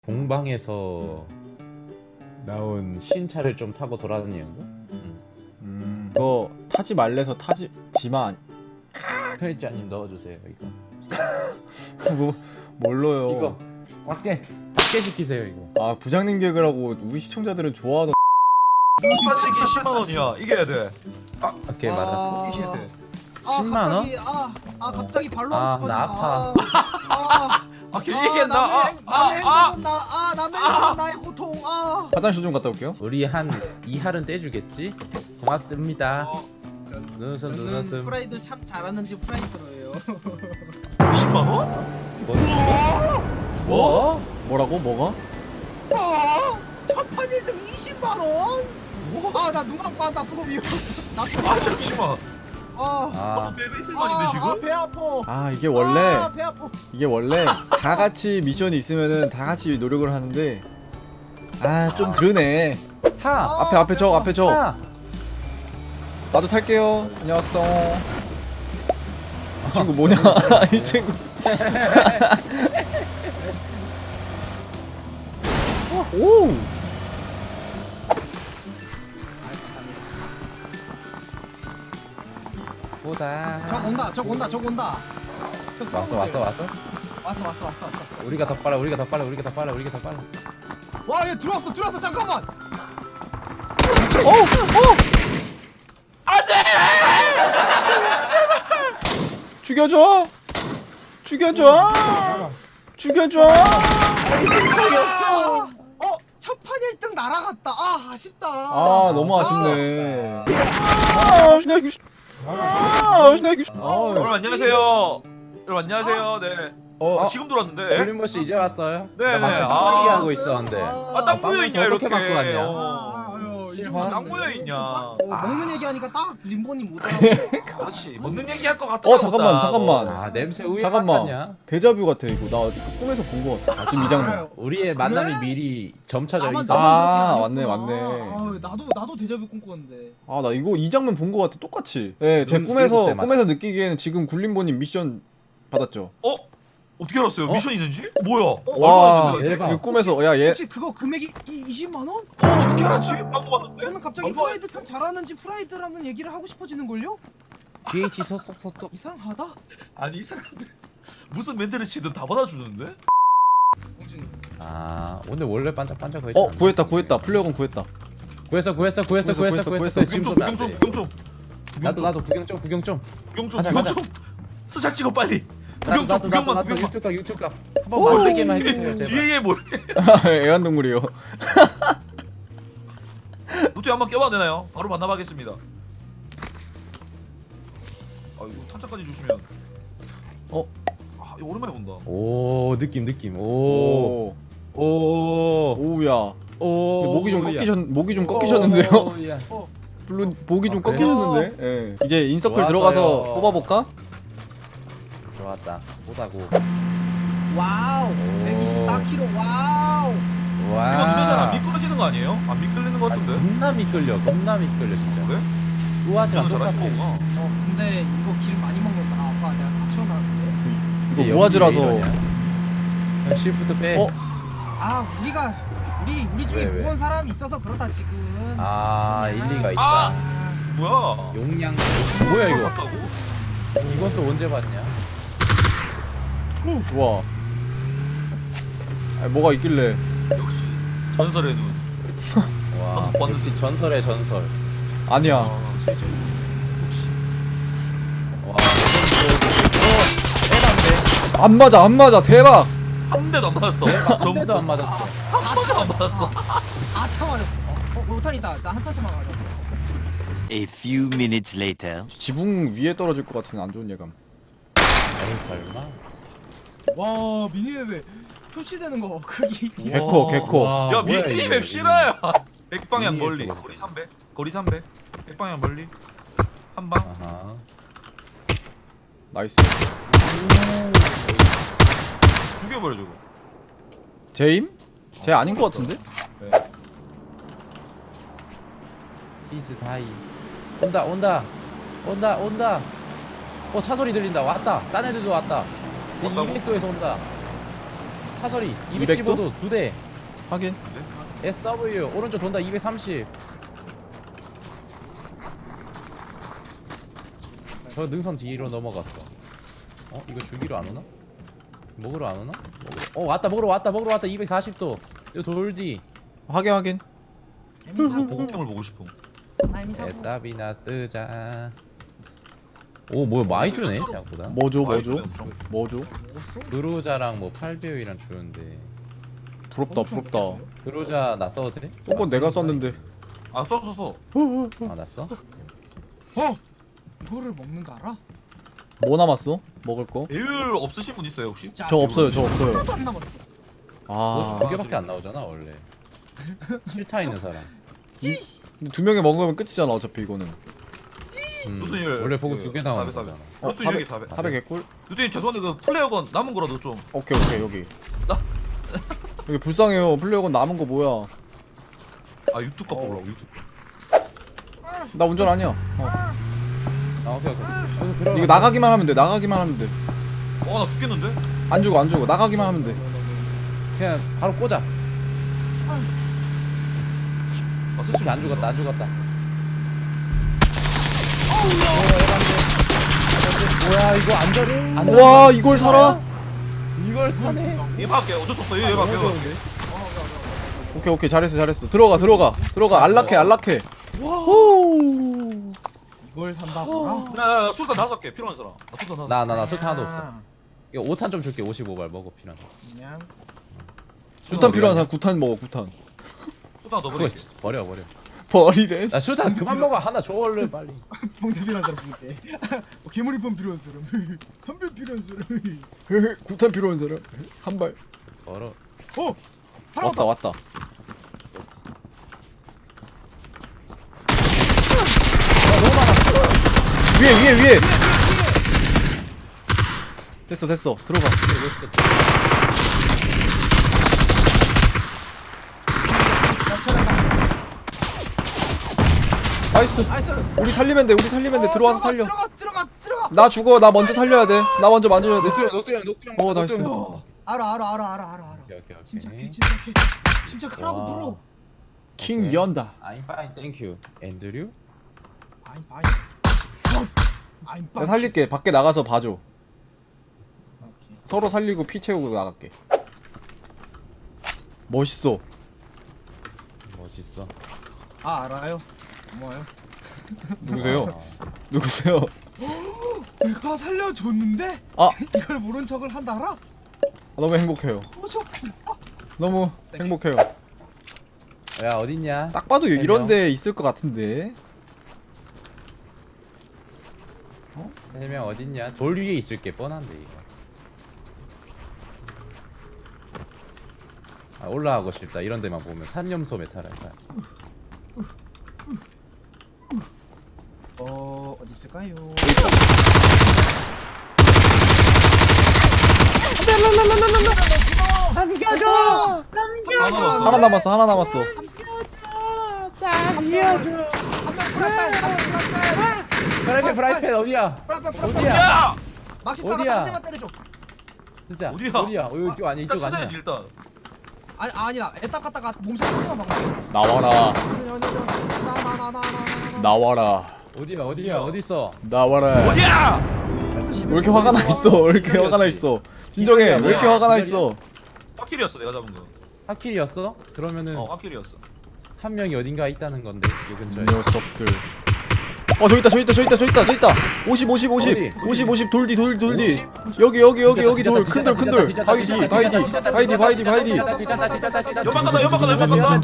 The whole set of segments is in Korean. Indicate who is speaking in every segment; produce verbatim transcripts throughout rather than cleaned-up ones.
Speaker 1: 공방에서 나온 신차를 좀 타고 돌아다니는 거? 응.
Speaker 2: 음, 그거 타지 말래서 타지 지만
Speaker 1: 편집자님 넣어주세요 이거.
Speaker 2: 뭐 뭘로요?
Speaker 1: 이거 꽉게 꽉게 시키세요 이거.
Speaker 2: 아 부장님 개그라고 우리 시청자들은 좋아하던.
Speaker 3: 스파치기 십만 원이야. 이겨야 돼. 아,
Speaker 1: 꽉게 맞아.
Speaker 3: 이겨야 돼.
Speaker 4: 아,
Speaker 1: 십만 원?
Speaker 4: 갑자기, 아, 아 갑자기 발로
Speaker 1: 아,
Speaker 4: 하고 싶어진다.
Speaker 1: 나 아파.
Speaker 4: 아,
Speaker 3: 아, 괜히
Speaker 4: 아,
Speaker 3: 이겼나?
Speaker 4: 남의,
Speaker 3: 아,
Speaker 4: 행- 남의
Speaker 3: 아,
Speaker 4: 행복은 나, 아, 남의 행복은 나의 고통. 아.
Speaker 2: 화장실 좀 갔다 올게요.
Speaker 1: 우리 한 이할은 떼주겠지? 고맙습니다.
Speaker 3: 어,
Speaker 1: 눈웃음
Speaker 4: 저는
Speaker 1: 눈웃음.
Speaker 4: 프라이드 참 잘하는지 프라이드로예요.
Speaker 3: 십만 원?
Speaker 1: 뭐? 뭐?
Speaker 2: 뭐라고? 뭐가?
Speaker 4: 어? 첫판 일 등 이십만 원? 아, 나 눈 감고 한다 수고비요. 나
Speaker 3: 아, 잠시만.
Speaker 4: 아,
Speaker 1: 아,
Speaker 3: 백이십만인데
Speaker 4: 아,
Speaker 3: 지금?
Speaker 4: 배 아파.
Speaker 2: 아 이게 원래
Speaker 4: 아, 배 아파.
Speaker 2: 이게 원래 다 같이 미션이 있으면은 다 같이 노력을 하는데 아 좀 그러네.
Speaker 1: 타!
Speaker 4: 아,
Speaker 2: 앞에 앞에 저 앞에 저
Speaker 1: 타!
Speaker 2: 나도 탈게요. 안녕하세요. 이 친구 뭐냐? 이 친구. 오.
Speaker 1: 보다.
Speaker 4: 저 온다, 저 온다, 저 온다. 저
Speaker 1: 왔어 왔어 왔어.
Speaker 4: 왔어, 왔어, 왔어, 왔어, 왔어.
Speaker 1: 우리가 더 빨라 우리가 더 빨라 우리가 더 빨라 우리가 더 빨라.
Speaker 4: 와, 얘 들어왔어, 들어왔어. 잠깐만.
Speaker 2: 오! 오! 죽여줘! 죽여줘! 죽여줘!
Speaker 4: 아, 어, 첫판 일 등 날아갔다. 아, 아쉽다.
Speaker 2: 아 너무 아쉽네. 아 신나기. 아 신나기.
Speaker 3: 여러분
Speaker 2: 아.
Speaker 3: 안녕하세요. 여러분 안녕하세요. 네.
Speaker 2: 어.
Speaker 3: 아, 지금 들어왔는데.
Speaker 1: 홀림보 씨 이제 왔어요?
Speaker 3: 네,
Speaker 1: 나
Speaker 3: 네.
Speaker 1: 마침
Speaker 3: 아.
Speaker 1: 빵꾸기 하고 있었는데.
Speaker 3: 아, 딱 모여 있냐
Speaker 1: 어떻게
Speaker 3: 이렇게.
Speaker 1: 바꿔 갔냐?
Speaker 3: 어.
Speaker 4: 아유, 이제
Speaker 1: 실화?
Speaker 3: 딱 모여 있냐.
Speaker 4: 어, 먹는 얘기하니까 딱 림보님 못 알아보네.
Speaker 3: 그렇지. 먹는 얘기 할 것 같다.
Speaker 2: 어 잠깐만 잠깐만.
Speaker 1: 아 냄새 우유
Speaker 2: 잠깐만.
Speaker 1: 같냐?
Speaker 2: 데자뷰 같아 이거. 나 이거 꿈에서 본 거 같아. 지금 이 장면.
Speaker 1: 우리의 만남이 미리 점쳐져
Speaker 4: 나만-
Speaker 1: 있어.
Speaker 4: 나만
Speaker 2: 아,
Speaker 4: 그런 게
Speaker 2: 맞네,
Speaker 4: 아니었구나.
Speaker 2: 맞네.
Speaker 4: 아유, 나도 나도 데자뷰 꿈꿨는데.
Speaker 2: 아 나 이거 이 장면 본 거 같아. 똑같이. 예, 제
Speaker 1: 눈
Speaker 2: 꿈에서
Speaker 1: 뜨고 때마다.
Speaker 2: 꿈에서 느끼기에는 지금 굴림보님 미션 받았죠.
Speaker 3: 어? 어떻게 알았어요?
Speaker 1: 어?
Speaker 3: 미션 있는지? 어, 뭐야?
Speaker 2: 와,
Speaker 3: 얼마나 있는지?
Speaker 1: 대박.
Speaker 2: 이거 꿈에서 야 얘.
Speaker 4: 혹시 그거 금액이 이, 이십만 원?
Speaker 3: 어, 어떻게 알았지? 방금 봤는데?
Speaker 4: 저는 갑자기
Speaker 3: 얼마-
Speaker 4: 프라이드 참 잘하는지 프라이드라는 얘기를 하고 싶어지는 걸요?
Speaker 1: 디에이치 소속소속.
Speaker 4: 이상하다.
Speaker 3: 아니 이상한데. 무슨 멘트를 치든 다 받아주는데?
Speaker 4: 공준이.
Speaker 1: 아 오늘 원래 반짝반짝 거했지.
Speaker 2: 어 구했다 구했다. 플레어건 구했다.
Speaker 1: 구했어 구했어 구했어
Speaker 2: 구했어,
Speaker 1: 구했어
Speaker 2: 구했어,
Speaker 1: 구했어. 지금
Speaker 3: 구경 좀,
Speaker 1: 쏜다.
Speaker 3: 구경 좀, 구경 좀.
Speaker 1: 나도 나도 구경 좀 구경 좀.
Speaker 3: 구경 좀,
Speaker 1: 가자,
Speaker 3: 구경
Speaker 1: 가자.
Speaker 3: 좀. 스샷 찍어 빨리.
Speaker 1: 나도
Speaker 3: 구경 좀,
Speaker 1: 나도 나도
Speaker 3: 구경만,
Speaker 1: 나도
Speaker 3: 구경만.
Speaker 1: 유튜브 각 유튜브 각. 한번 만들기만 해주세요 제발.
Speaker 3: 뒤에 뭘?
Speaker 2: 애완동물이요.
Speaker 3: 로또 한번 껴봐도 되나요? 바로 만나봐겠습니다. 아 이거 탄창까지 주시면.
Speaker 2: 어?
Speaker 3: 아 이거 오랜만에 본다.
Speaker 1: 오 느낌 느낌. 오.
Speaker 2: 오.
Speaker 1: 오.
Speaker 2: 오우야.
Speaker 1: 오.
Speaker 2: 근데 목이 좀
Speaker 1: 오야.
Speaker 2: 꺾이셨 목이 좀 꺾이셨는데요.
Speaker 1: 오야.
Speaker 2: 물론 목이 좀
Speaker 1: 아, 그래?
Speaker 2: 꺾이셨는데. 예. 이제 인서클
Speaker 1: 좋았어요.
Speaker 2: 들어가서 뽑아볼까?
Speaker 1: 좋았다. 보다고.
Speaker 4: 와우. 백이십사 킬로그램. 와우.
Speaker 3: 이거 근데 잘안
Speaker 1: 와.
Speaker 3: 미끄러지는 거 아니에요? 안 미끌리는 거
Speaker 1: 아,
Speaker 3: 같은데?
Speaker 1: 겁나 미끌려. 겁나 미끌려 진짜.
Speaker 3: 그래?
Speaker 1: 우아지랑
Speaker 3: 저는
Speaker 1: 똑같아.
Speaker 3: 잘하시는 거구나.
Speaker 4: 어, 근데 이거 길 많이 먹는다. 아빠 내가 다 채워놨는데.
Speaker 2: 이거 우아즈라서.
Speaker 1: 형 시프트 빼.
Speaker 2: 어?
Speaker 4: 아, 우리가 우리 우리 중에
Speaker 1: 왜, 왜?
Speaker 4: 무거운 사람이 있어서 그렇다 지금.
Speaker 1: 아 일리가 있다.
Speaker 3: 아!
Speaker 4: 아,
Speaker 3: 뭐야?
Speaker 1: 용량. 뭐야 이거?
Speaker 3: 같다고?
Speaker 1: 이건 또 언제 봤냐?
Speaker 2: 좋아. 아 뭐가 있길래?
Speaker 3: 역시 전설의 눈.
Speaker 1: 와
Speaker 3: 아, 봤는데.
Speaker 1: 역시 전설의 전설.
Speaker 2: 아니야.
Speaker 3: 아, 진짜.
Speaker 1: 와. 어, 빼란데.
Speaker 2: 안 맞아 안 맞아 대박.
Speaker 3: 한 대도 안 맞았어.
Speaker 1: 한
Speaker 3: 전
Speaker 1: 대도 안 맞았어.
Speaker 3: 한 번도 안 맞았어.
Speaker 4: 아차 맞았어. 어, 로탄이다. 나 한 탄차만 맞았어.
Speaker 5: A few minutes later.
Speaker 2: 지붕 위에 떨어질 것 같은 안 좋은 예감.
Speaker 1: 에이 설마?
Speaker 4: 와, 미니맵에 표시되는 거 크기.
Speaker 2: 개코 개코.
Speaker 1: 와,
Speaker 3: 야
Speaker 1: 뭐야,
Speaker 3: 미니맵
Speaker 1: 이거.
Speaker 3: 실화야. 백 방향
Speaker 1: 미니맵
Speaker 3: 멀리.
Speaker 1: 저거.
Speaker 3: 거리 삼백. 거리 삼백. 백 방향 멀리. 한 방.
Speaker 1: 아하.
Speaker 2: 나이스.
Speaker 3: 죽여버려 저거.
Speaker 2: 제임? 제 아닌 것 같은데?
Speaker 1: 히즈 다이. 온다 온다 온다 온다. 어 차 소리 들린다. 왔다. 딴 애들도 왔다.
Speaker 3: 왔다고?
Speaker 1: 이백 도에서 온다. 사설이 이백십오 도 두 대.
Speaker 2: 확인.
Speaker 1: 에스더블유 오른쪽 돈다 이백삼십. 저 능선 뒤로 넘어갔어. 어 이거 죽이러 안 오나? 먹으러 안 오나? 먹으러. 어 왔다 먹으러 왔다 먹으러 왔다 이백사십 도. 이거 돌디.
Speaker 2: 확인 확인.
Speaker 4: 재미사고.
Speaker 3: 보급템을 보고 싶어.
Speaker 4: 재미사고.
Speaker 1: 에따비나 뜨자. 오 뭐야 많이 주네 생각보다.
Speaker 2: 뭐죠 뭐죠?
Speaker 3: 아이고, 엄청.
Speaker 2: 뭐죠?
Speaker 1: 그루자랑 뭐 팔 배율이랑 주는데.
Speaker 2: 부럽다 부럽다.
Speaker 1: 그루자 나 써도 돼?
Speaker 2: 저건 내가 썼는데.
Speaker 3: 아 써, 써, 써.
Speaker 1: 아 나 써?
Speaker 4: 어? 이거를 먹는 거 알아?
Speaker 2: 뭐 남았어? 먹을 거?
Speaker 3: 배율 없으신 분 있어요 혹시?
Speaker 4: 진짜
Speaker 2: 저 없어요 저 없어요.
Speaker 4: 하나도 안 남았어.
Speaker 2: 아.
Speaker 1: 두 개밖에 안 나오잖아 원래. 실타 있는 사람.
Speaker 2: 근데 두 명이 먹으면 끝이잖아 어차피 이거는.
Speaker 1: 음,
Speaker 3: 루트님
Speaker 1: 원래 보고 두 개 나오는
Speaker 3: 사백,
Speaker 1: 거잖아.
Speaker 2: 어,
Speaker 3: 루트님 여기 사백.
Speaker 2: 사백 개꿀?
Speaker 3: 루트님 죄송한데 그 플레이어건 남은 거라도 좀.
Speaker 2: 오케이 오케이 여기.
Speaker 3: 나-
Speaker 2: 여기 불쌍해요. 플레이어건 남은 거 뭐야?
Speaker 3: 아 유튜브 거 보려고 유튜브.
Speaker 2: 나 운전 아니야. 어.
Speaker 1: 아 오케이 오케이. 여기서 들어가.
Speaker 2: 이거 나가기만 하면 돼. 나가기만 하면 돼.
Speaker 3: 어나 죽겠는데?
Speaker 2: 안 죽어 안 죽어. 나가기만 하면 돼.
Speaker 1: 그냥 바로 꽂아.
Speaker 3: 아
Speaker 1: 솔직히 안 죽었다 안 죽었다. 뭐야 이거 안 전? 안
Speaker 2: 와 이걸 살아?
Speaker 1: 이걸 사네?
Speaker 3: 얘 밖에 어쩔 수 없어 얘 밖에.
Speaker 2: 오케이 오케이 잘했어 잘했어. 들어가 들어가 들어가. 안락해 안락해. 호.
Speaker 4: 이걸 산다고라?
Speaker 3: 나 술탄 다섯 개 필요한 사람. 나 술탄 다섯.
Speaker 1: 나나 나 술탄 하나도 없어. 이거 오 탄 좀 줄게. 오십오 발 먹어 필요한 거.
Speaker 4: 그냥
Speaker 2: 구탄 필요한 사람 구탄 먹어 구탄.
Speaker 3: 술탄 더
Speaker 1: 그거
Speaker 3: 버리.
Speaker 1: 버려 버려.
Speaker 2: 버리래.
Speaker 1: 나 술탄 그만 먹어. 하나 줘 얼른 빨리.
Speaker 4: 봉대 필요한 사람 봉대. 괴물이폰 필요한 사람. 선별 필요한 사람.
Speaker 2: 구탄 필요한 사람. 한 발.
Speaker 1: 버려.
Speaker 4: 어! 살아왔다.
Speaker 2: 왔다 왔다. 위에 위에 위에. 됐어 됐어 들어가. 나이스.
Speaker 4: 나이스.
Speaker 2: 우리 살리면 돼 우리 살리면 돼.
Speaker 4: 어,
Speaker 2: 들어와서 살려.
Speaker 4: 들어가 들어가 들어가.
Speaker 2: 나 죽어. 나 먼저 살려야 돼. 나 먼저 만져야 돼.
Speaker 1: 녹두 형 녹두 형 녹두 형.
Speaker 2: 어, 나이스.
Speaker 4: 어, 알아 알아 알아 알아 알아 알아.
Speaker 1: 오케이 오케이 오케이.
Speaker 4: 침착해 침착해. 침착하라고
Speaker 1: 와.
Speaker 4: 물어.
Speaker 2: 킹
Speaker 1: 오케이.
Speaker 2: 연다.
Speaker 1: I'm fine, thank you. 앤드류?
Speaker 4: 아임 바이. 아임
Speaker 2: 내가
Speaker 4: 바이.
Speaker 2: 살릴게. 밖에 나가서 봐줘.
Speaker 4: 오케이.
Speaker 2: 서로 살리고 피 채우고 나갈게. 멋있어.
Speaker 1: 멋있어.
Speaker 4: 아 알아요. 고마워요.
Speaker 2: 누구세요?
Speaker 1: 아,
Speaker 2: 누구세요?
Speaker 4: 내가 살려줬는데
Speaker 2: 아
Speaker 4: 이걸 모른 척을 한다라?
Speaker 2: 너무 행복해요.
Speaker 4: 뭐죠?
Speaker 2: 너무 행복해요.
Speaker 1: 야 어딨냐?
Speaker 2: 딱 봐도
Speaker 1: 세
Speaker 2: 이런
Speaker 1: 명.
Speaker 2: 데 있을 것 같은데.
Speaker 1: 세 명 어딨냐? 돌 위에 있을게 뻔한데 이거. 아 올라가고 싶다. 이런 데만 보면 산염소 메탈할까?
Speaker 4: 어 어디 있을까요?
Speaker 1: 남겨줘!
Speaker 2: 하나 남았어. 하나 남았어.
Speaker 1: 남겨줘! 프라이팬 프라이팬 어디야? 어디야?
Speaker 3: 야!
Speaker 4: 막십
Speaker 1: 어디야?
Speaker 4: 사가 한 대만 때려줘.
Speaker 1: 진짜
Speaker 3: 어디야?
Speaker 1: 어디야? 어, 이쪽 아니
Speaker 3: 일단
Speaker 1: 이쪽 아니야?
Speaker 3: 찾아야지 일단.
Speaker 4: 아니 아니야. 애딱 갔다가 몸살 한 대만 막아.
Speaker 2: 나와라.
Speaker 4: 나나나나나나.
Speaker 2: 나와라.
Speaker 1: 어디야 어디야 어디 있어?
Speaker 2: 나와라.
Speaker 3: 어디야?
Speaker 2: 왜 이렇게 화가 나 있어? 왜 이렇게 화가 나 있어? 진정해. 왜 이렇게 화가 나 있어?
Speaker 3: 확킬이었어 내가 잡은 거.
Speaker 1: 하킬이었어? 그러면은
Speaker 3: 어 확킬이었어.
Speaker 1: 한 명이 어딘가 있다는 건데 이 근처에.
Speaker 2: 녀석들. 어 저기 있다 저기 있다 저기 있다 저기 있다 저기 있다. 오십 오십 오십
Speaker 1: 어디?
Speaker 2: 오십 오십 돌디 돌 돌디. 여기 여기 여기 여기 돌 큰 돌 큰 돌. 바이디 바이디 바이디 바이디 바이디.
Speaker 3: 연막 간다 연막 간다 연막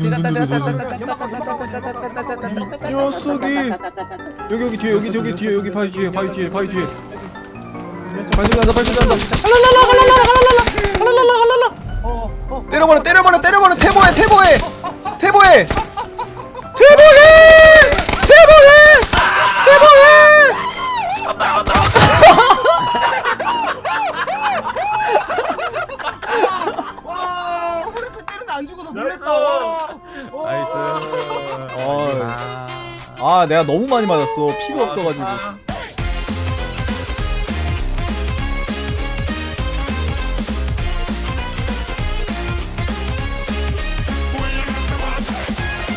Speaker 3: 간다.
Speaker 2: 이 녀석이. 여기 여기 뒤에 여기 여기 뒤에 여기 바이 뒤에 바이 뒤에 바이 뒤에. 발소리 난다 발소리 난다. 할랄랄라 할랄랄라 할랄랄라 할랄랄라 할랄라.
Speaker 4: 어어
Speaker 2: 때려버려 때려버려 때려버려 태보해 태보해 태보해 태보해 태보해 태보해.
Speaker 4: 와 호레프 때리는 안 죽어서
Speaker 3: 나이스.
Speaker 4: 놀랬다. 와.
Speaker 1: 나이스.
Speaker 2: 아 내가 너무 많이 맞았어. 피가 없어가지고.